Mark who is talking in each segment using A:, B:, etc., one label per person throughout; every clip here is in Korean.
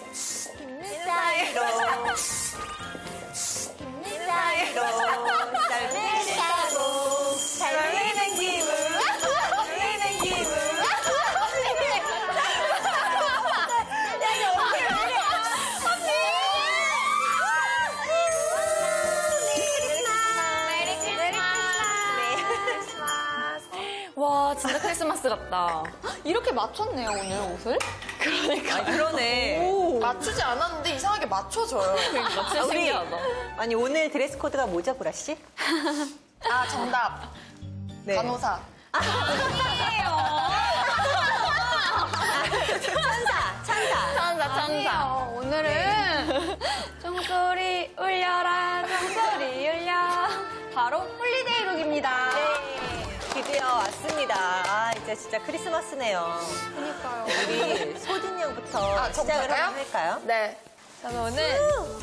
A: 힘든 사이로 힘든 사이로 썰매를 타고 달리는 기분 달리는 기분
B: 와, 진짜 크리스마스 같다.
C: 이렇게 맞췄네요, 오늘 옷을?
B: 그러니까.
A: 그러네.
C: 맞추지 않았는데 이상하게 맞춰져요.
B: 그러니까 진짜 신기하다.
A: 아니 오늘 드레스 코드가 뭐죠, 보라 씨?
C: 아, 정답.
A: 네.
C: 간호사.
B: 천사.
C: 오늘은
B: 종소리 울려라, 종소리 울려. 바로 홀리데이 룩입니다.
A: 드디어 왔습니다. 아, 이제 진짜 크리스마스네요.
C: 그니까요.
A: 우리 소진 양부터
C: 저
A: 시작을
C: 볼까요?
A: 한번 할까요?
C: 네. 저는 오늘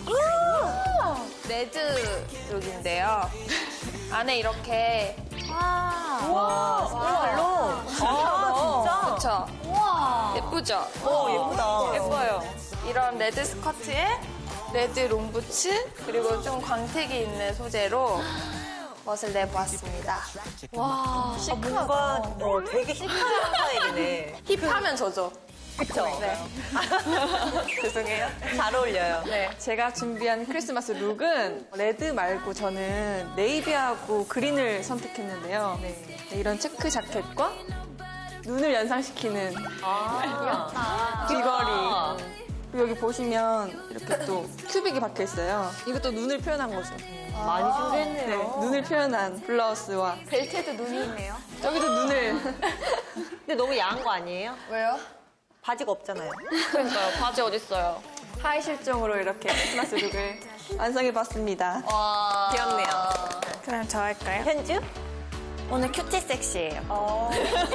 C: 레드 룩인데요. 안에 이렇게
A: 와, 스티로로. 아, 진짜?
C: 그쵸? 예쁘죠?
A: 오, 예쁘다.
C: 예뻐요. 이런 레드 스커트에 레드 롱부츠 그리고 좀 광택이 있는 소재로 멋을 내보았습니다.
A: 와, 뭔가 되게 시크한 스타일이네.
C: 힙하면 저죠.
A: 그쵸?
C: 네. 죄송해요.
A: 잘 어울려요.
C: 네.
D: 제가 준비한 크리스마스 룩은 레드 말고 저는 네이비하고 그린을 선택했는데요. 네, 이런 체크 자켓과 눈을 연상시키는 귀걸이. 그리고 여기 보시면 이렇게 또 큐빅이 박혀 있어요. 이것도 눈을 표현한 거죠.
A: 많이 준비했네요.
D: 네, 눈을 표현한 블라우스와
C: 벨트에도 눈이 있네요.
D: 여기도 눈을
A: 근데 너무 야한 거 아니에요?
C: 왜요?
A: 바지가 없잖아요.
B: 그러니까요. 바지 어딨어요?
D: 하이 실종으로 이렇게 크리스마스 룩을 완성해봤습니다.
B: 와.
A: 귀엽네요.
D: 그럼 저 할까요?
A: 현주?
B: 오늘 큐티 섹시예요.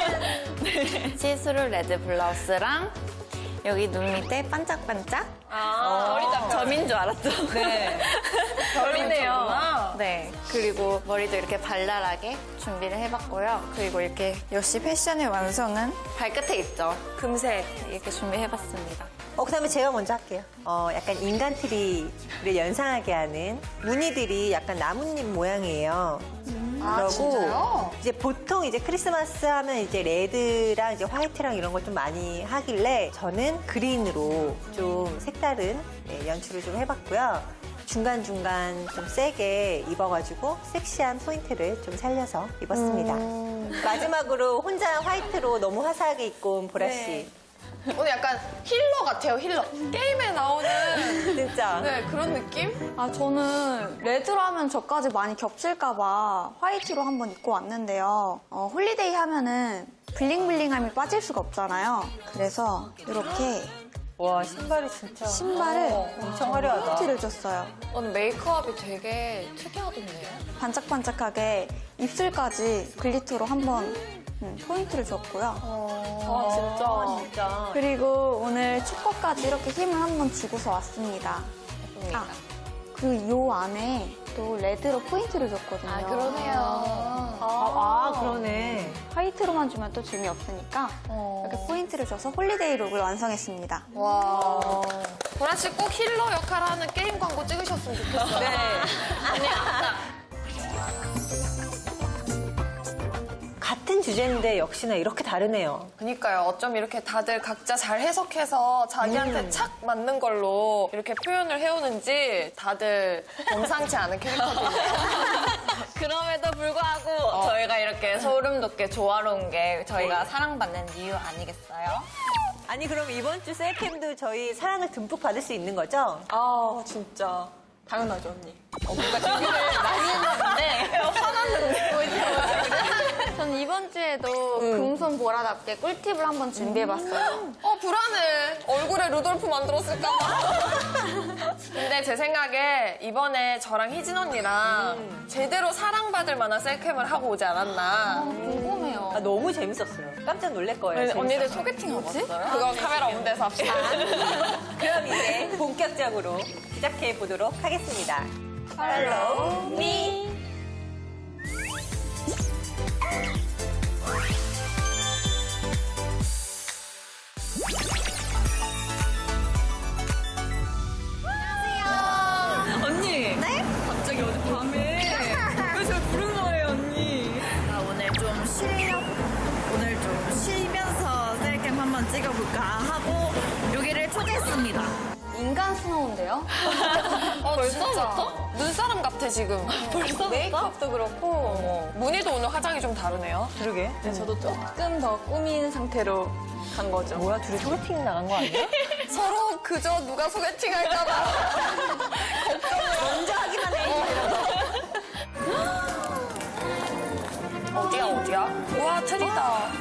B: 시스루 레드 블라우스랑 여기 눈 밑에 반짝반짝. 점인 줄 알았죠?
A: 네.
B: 별이네요. 네. 그리고 머리도 이렇게 발랄하게 준비를 해봤고요. 그리고 이렇게 역시 패션의 완성은 발끝에 있죠. 금색 이렇게 준비해봤습니다.
A: 그다음에 제가 먼저 할게요. 약간 인간트리를 연상하게 하는 무늬들이 약간 나뭇잎 모양이에요.
C: 아, 진짜요?
A: 이제 보통 이제 크리스마스 하면 이제 레드랑 이제 화이트랑 이런 걸 좀 많이 하길래 저는 그린으로 좀 색다른 연출을 좀 해봤고요. 중간중간 좀 세게 입어가지고 섹시한 포인트를 좀 살려서 입었습니다. 마지막으로 혼자 화이트로 너무 화사하게 입고 온 보라씨.
C: 오늘 약간 힐러 같아요, 힐러. 게임에 나오는
A: 진짜.
C: 네, 그런 느낌?
E: 아, 저는 레드로 하면 저까지 많이 겹칠까봐 화이트로 한번 입고 왔는데요. 홀리데이 하면은 블링블링함이 빠질 수가 없잖아요. 그래서 이렇게
A: 와, 신발이 진짜.
E: 신발을
A: 엄청 화려하다.
E: 포인트를 줬어요.
B: 오늘 메이크업이 되게 특이하던데요?
E: 반짝반짝하게 입술까지 글리터로 한번 포인트를 줬고요.
A: 진짜.
E: 그리고 오늘 축구까지 이렇게 힘을 한번 주고서 왔습니다. 아, 그리고 요 안에 또 레드로 포인트를 줬거든요.
A: 그러네.
E: 화이트로만 주면 또 재미없으니까 이렇게 포인트를 줘서 홀리데이 룩을 완성했습니다.
C: 와. 보라 씨 꼭 힐러 역할 하는 게임 광고 찍으셨으면 좋겠어요.
A: 네. 같은 주제인데 역시나 이렇게 다르네요.
C: 그니까요. 어쩜 이렇게 다들 각자 잘 해석해서 자기한테 착 맞는 걸로 이렇게 표현을 해오는지 다들 범상치 않은 캐릭터들이에요.
B: 그럼에도 불구하고 저희가 이렇게 소름 돋게 조화로운 게 저희가 사랑받는 이유 아니겠어요?
A: 아니 그럼 이번 주 셀캠도 저희 사랑을 듬뿍 받을 수 있는 거죠?
D: 아 진짜 당연하죠 언니.
B: 뭔가 준비를 많이 했나 본데 화났는데.
E: 저는 이번 주에도 금손 보라답게 꿀팁을 한번 준비해봤어요.
C: 불안해. 얼굴에 루돌프 만들었을까봐. 근데 제 생각에 이번에 저랑 희진 언니랑 제대로 사랑받을 만한 셀캠을 하고 오지 않았나.
E: 궁금해요.
A: 너무 재밌었어요. 깜짝 놀랄 거예요.
B: 언니들 소개팅 하고 왔어요?
C: 그거 카메라 없는 데서 합시다.
A: 그럼 이제 본격적으로 시작해 보도록 하겠습니다. Follow me.
F: 초대했습니다.
E: 인간 스노우인데요?
C: 벌써부터? 눈사람 같아, 지금. 벌써부터?
B: 메이크업도 그렇고
C: 무늬도 오늘 화장이 좀 다르네요.
A: 그러게.
D: 저도 조금 더 꾸민 상태로 간 거죠.
A: 뭐야, 둘이 소개팅 나간 거 아니야?
C: 서로 그저 누가 소개팅 할까봐.
A: 먼저 하기만 해.
C: 어디야? 우와, 트리다.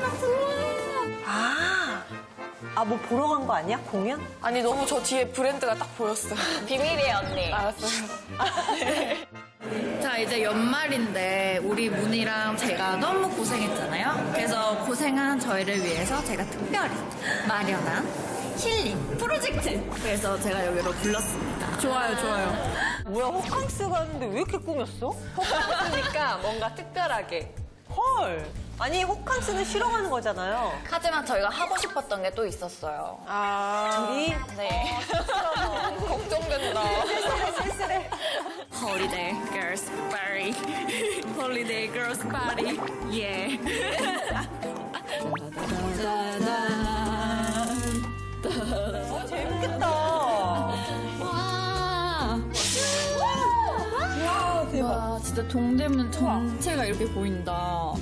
A: 뭐 보러 간 거 아니야? 공연?
C: 아니, 너무 저 뒤에 브랜드가 딱 보였어.
B: 비밀이에요, 언니.
C: 알았어요.
F: 자, 이제 연말인데 우리 문희랑 제가 너무 고생했잖아요. 그래서 고생한 저희를 위해서 제가 특별히 마련한 힐링 프로젝트. 그래서 제가 여기로 불렀습니다.
D: 좋아요, 좋아요.
A: 뭐야, 호캉스 가는데 왜 이렇게 꾸몄어?
D: 그러니까 뭔가 특별하게.
A: 헐. 아니, 호캉스는 쉬러 가는 거잖아요.
B: 하지만 저희가 하고 싶었던 게 또 있었어요.
A: 둘이
B: 네.
C: 걱정된다.
A: 쓸쓸해.
F: Holiday Girls Party. Holiday Girls Party. Yeah.
A: 재밌겠다.
F: 와, 진짜 동대문 전체가 이렇게 보인다.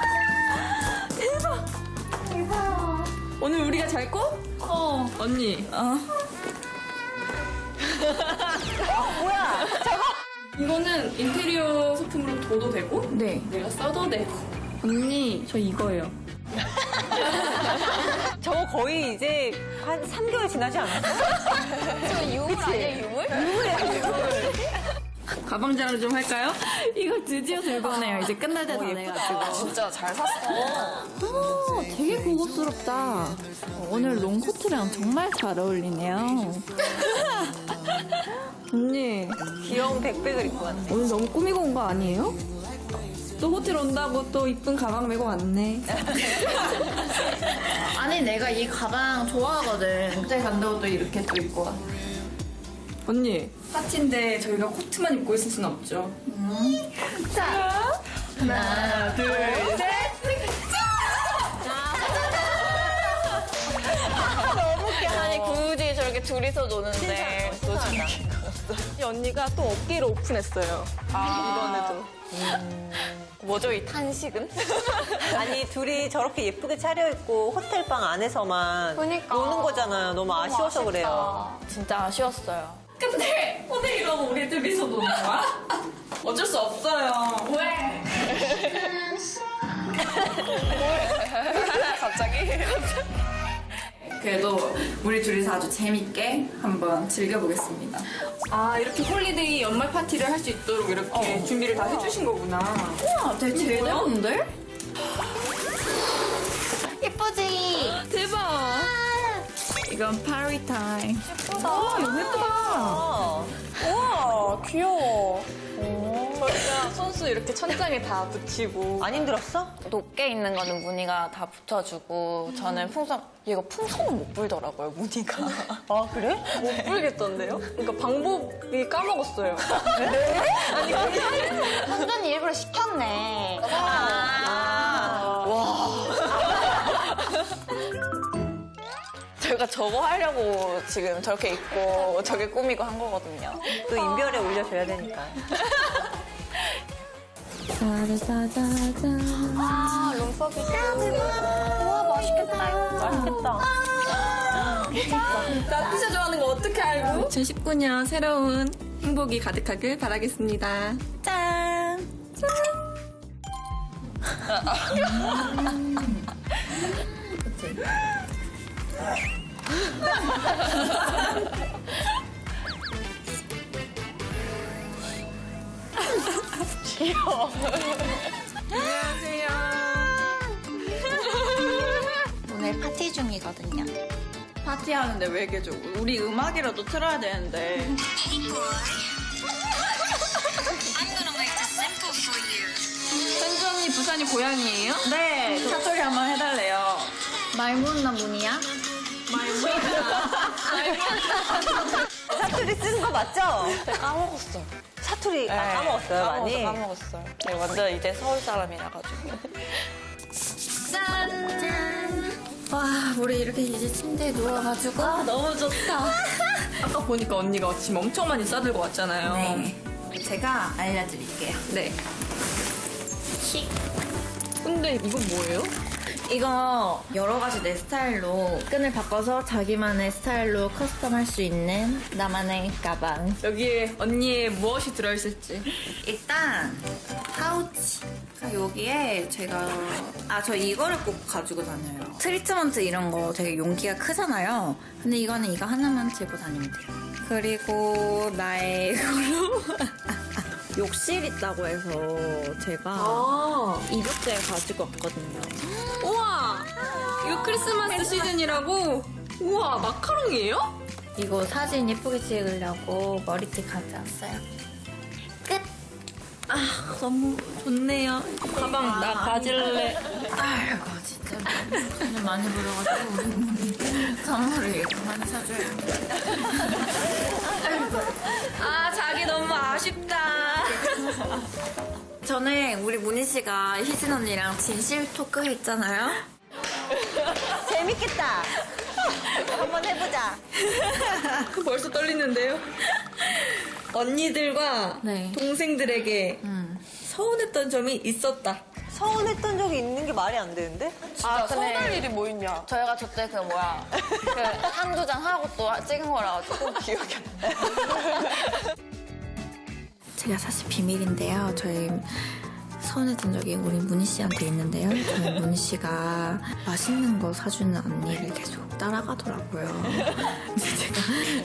D: 오늘 우리가 잘 꿔? 언니.
A: 뭐야?
D: 이거는 인테리어 소품으로 둬도 되고,
F: 네.
D: 내가 써도 되고. 언니, 저 이거예요.
A: 저거 거의 이제 한 3개월 지나지 않았어?
B: 저 유물 아니에요, 유물?
F: 가방 자랑 좀 할까요? 이거 드디어 들고 오네요. 이제 끝날 때 다 돼가지고.
C: 진짜 잘 샀어.
F: 되게 고급스럽다. 오늘 롱코트랑 정말 잘 어울리네요. 언니,
A: 귀여운 백백을 입고 왔네.
F: 오늘 너무 꾸미고 온 거 아니에요?
D: 또 호텔 온다고 또 이쁜 가방 메고 왔네.
F: 아니, 내가 이 가방 좋아하거든. 호텔 간다고 또 이렇게 또 입고 와.
D: 언니, 파티인데 저희가 코트만 입고 있을 순 없죠.
F: 하나, 둘, 셋.
B: 아니, 굳이 저렇게 둘이서 노는데. 또 저렇게.
D: 이 언니가 또 어깨를 오픈했어요. 이번에도.
B: 뭐죠, 이 탄식은?
A: 아니, 둘이 저렇게 예쁘게 차려입고 호텔방 안에서만
B: 그러니까.
A: 노는 거잖아요. 너무 아쉬워서 그래요.
B: 진짜 아쉬웠어요.
F: 근데 호텔이라고 우리 둘이서 노는 거야?
D: 어쩔 수 없어요.
F: 왜?
C: 갑자기?
F: 그래도 우리 둘이서 아주 재밌게 한번 즐겨보겠습니다.
D: 아, 이렇게 홀리데이 연말 파티를 할 수 있도록 이렇게 준비를 다 해주신 거구나.
F: 우와, 되게 제대로인데?
B: 예쁘지?
F: 대박! 이건 파리 타임.
B: 예쁘다.
F: 이거 예쁘다.
C: 우와, 귀여워.
D: 저희가 손수 이렇게 천장에 다 붙이고.
A: 안 힘들었어?
B: 높게 있는 거는 무늬가 다 붙여주고 저는 얘가 풍선은 못 불더라고요, 무늬가.
A: 아, 그래?
D: 못 불겠던데요? 그러니까 방법이 까먹었어요.
E: 완전히 일부러 시켰네.
B: 저희가 저거 하려고 지금 저렇게 입고 저게 꾸미고 한 거거든요.
A: 또 인별에 올려줘야 되니까.
B: 아, 룸퍼기. 우와, 맛있겠다, 이거.
A: 맛있겠다.
D: 나 피자 좋아하는 거 어떻게 알고? 2019년 새로운 행복이 가득하길 바라겠습니다. 짠!
E: 오늘 파티 중이거든요.
F: 파티하는데 왜 이렇게 좋고 우리 음악이라도 틀어야 되는데. 현주 언니 부산이 고향이에요? 네. 사투리 한번 해달래요.
E: 말문나 무늬야?
A: 사투리 쓰는 거 맞죠?
B: 까먹었어.
A: 사투리 까먹었어요, 많이?
B: 까먹었어요. 완전 이제 서울 사람이라 가지고.
F: 짠! 와, 우리 이렇게 이제 침대에 누워가지고 너무 좋다.
D: 아까 보니까 언니가 짐 엄청 많이 싸들고 왔잖아요.
F: 네. 제가 알려드릴게요.
D: 네. 근데 이건 뭐예요?
F: 이거 여러 가지 내 스타일로 끈을 바꿔서 자기만의 스타일로 커스텀할 수 있는 나만의 가방.
D: 여기에 언니의 무엇이 들어있을지.
F: 일단 파우치. 여기에 제가 저 이거를 꼭 가지고 다녀요. 트리트먼트 이런 거 되게 용기가 크잖아요. 근데 이거는 이거 하나만 들고 다니면 돼요. 그리고 나의 걸로 욕실 있다고 해서 제가 이것들 가지고 왔거든요.
D: 우와! 이거 크리스마스 시즌이라고? 우와, 마카롱이에요?
F: 이거 사진 예쁘게 찍으려고 머리띠 가져왔어요. 끝! 너무 좋네요.
D: 가방 나 가질래.
F: 아이고, 진짜. 돈을 많이 벌어가지고 우리 문이 선물을 그만 사줘야 돼. 자기 너무 아쉽다. 전에 우리 문희 씨가 희진 언니랑 진실 토크 했잖아요.
A: 재밌겠다. 한번 해보자.
D: 벌써 떨리는데요? 언니들과
F: 네.
D: 동생들에게 서운했던 점이 있었다.
A: 서운했던 적이 있는 게 말이 안 되는데?
C: 진짜 서운할 일이 뭐 있냐?
B: 저희가 저때 그 한두 장 하고 또 찍은 거라 가지고 기억이 안 나요.
F: 제가 사실 비밀인데요. 저희 서운했던 적이 우리 문희 씨한테 있는데요. 저희 문희 씨가 맛있는 거 사주는 언니를 계속 따라가더라고요. 근데 제가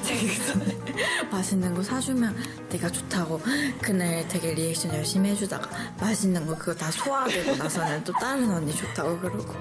F: 맛있는 거 사주면 내가 좋다고 그날 되게 리액션 열심히 해주다가 맛있는 거 그거 다 소화되고 나서는 또 다른 언니 좋다고 그러고.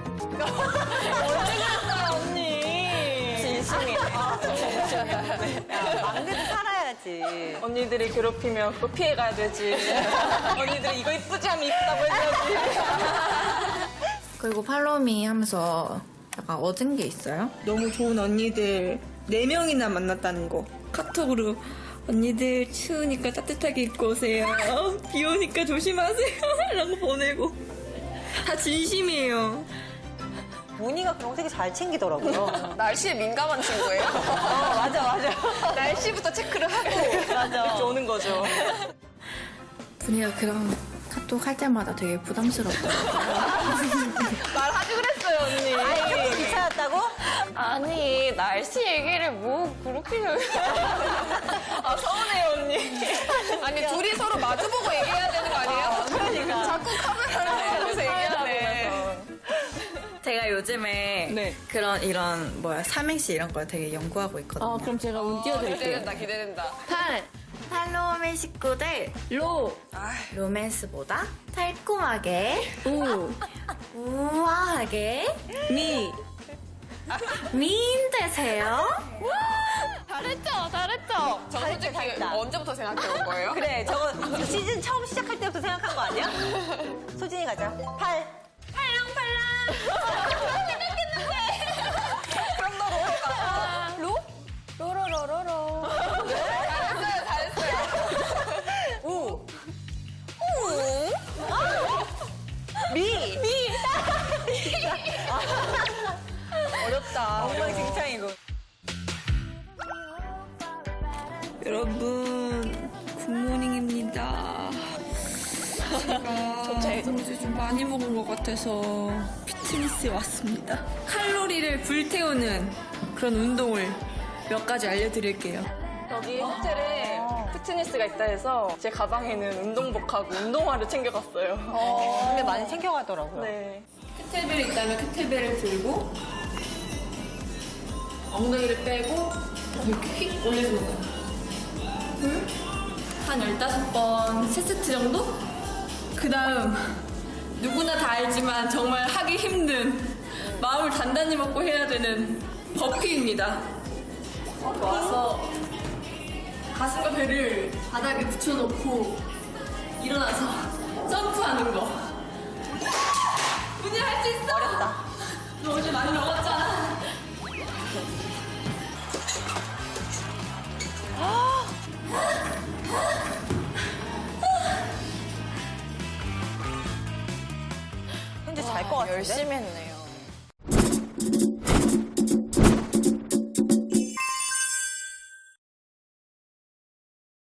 A: 막내도 살아야지.
D: 언니들이 괴롭히면 그거 피해가야 되지. 언니들이 이거 이쁘지 하면 이쁘다고 해줘야지.
F: 그리고 팔로우미 하면서 약간 얻은 게 있어요?
D: 너무 좋은 언니들 4명이나 만났다는 거. 카톡으로 언니들 추우니까 따뜻하게 입고 오세요. 비 오니까 조심하세요. 라고 보내고. 다 진심이에요.
A: 문희가 그런 거 되게 잘 챙기더라고요.
C: 날씨에 민감한 친구예요?
A: 맞아.
C: 날씨부터 체크를 하고.
A: 맞아.
D: 이렇게 오는 거죠.
F: 분이가 그런 카톡 할 때마다 되게 부담스럽더라고요.
D: 말하지 그랬어요, 언니.
A: 아이, 귀찮았다고?
B: 아니 날씨 얘기를 뭐 그렇게
D: 아, 서운해요, 언니.
C: 아니, 둘이 서로 마주보고 얘기해야 되는 거 아니에요?
A: 그러니까.
C: 자꾸 카메라를 보면서 얘기하네.
F: 제가 요즘에
D: 네.
F: 이런 삼행시 이런 걸 되게 연구하고 있거든요.
D: 그럼 제가 운 띄워드릴게요.
C: 기대된다.
F: 팔로우미 식구들 로맨스보다 달콤하게 우아하게 미인 되세요.
C: 잘했죠? 저 솔직히
A: 잘했다.
C: 언제부터 생각해온 거예요?
A: 그래, 저거 시즌 처음 시작할 때부터 생각한 거 아니야? 소진이 가자. 팔랑팔랑.
C: 그럼 너 로해봐.
B: 로로로로로.
C: 잘했어요.
A: 우. 미.
C: 어렵다.
A: 엉망진창이고.
D: 여러분, 굿모닝입니다. 제가 어제 좀 많이 먹은 것 같아서 피트니스에 왔습니다. 칼로리를 불태우는 그런 운동을 몇 가지 알려드릴게요. 여기 호텔에 피트니스가 있다 해서 제 가방에는 운동복하고 운동화를 챙겨갔어요.
A: 근데 많이 챙겨가더라고요.
D: 네. 케틀벨이 있다면 케틀벨을 들고 엉덩이를 빼고 이렇게 휙 올려주는 거예요. 한 15번 3세트 정도? 그 다음 누구나 다 알지만 정말 하기 힘든 마음을 단단히 먹고 해야 되는 버피입니다. 와서 가슴과 배를 바닥에 붙여놓고 일어나서 점프하는 거. 문이 할 수 있어?
A: 어렵다.
D: 너 어제 많이 먹었잖아.
A: 현재 잘 것 같은데?
B: 열심히 했네.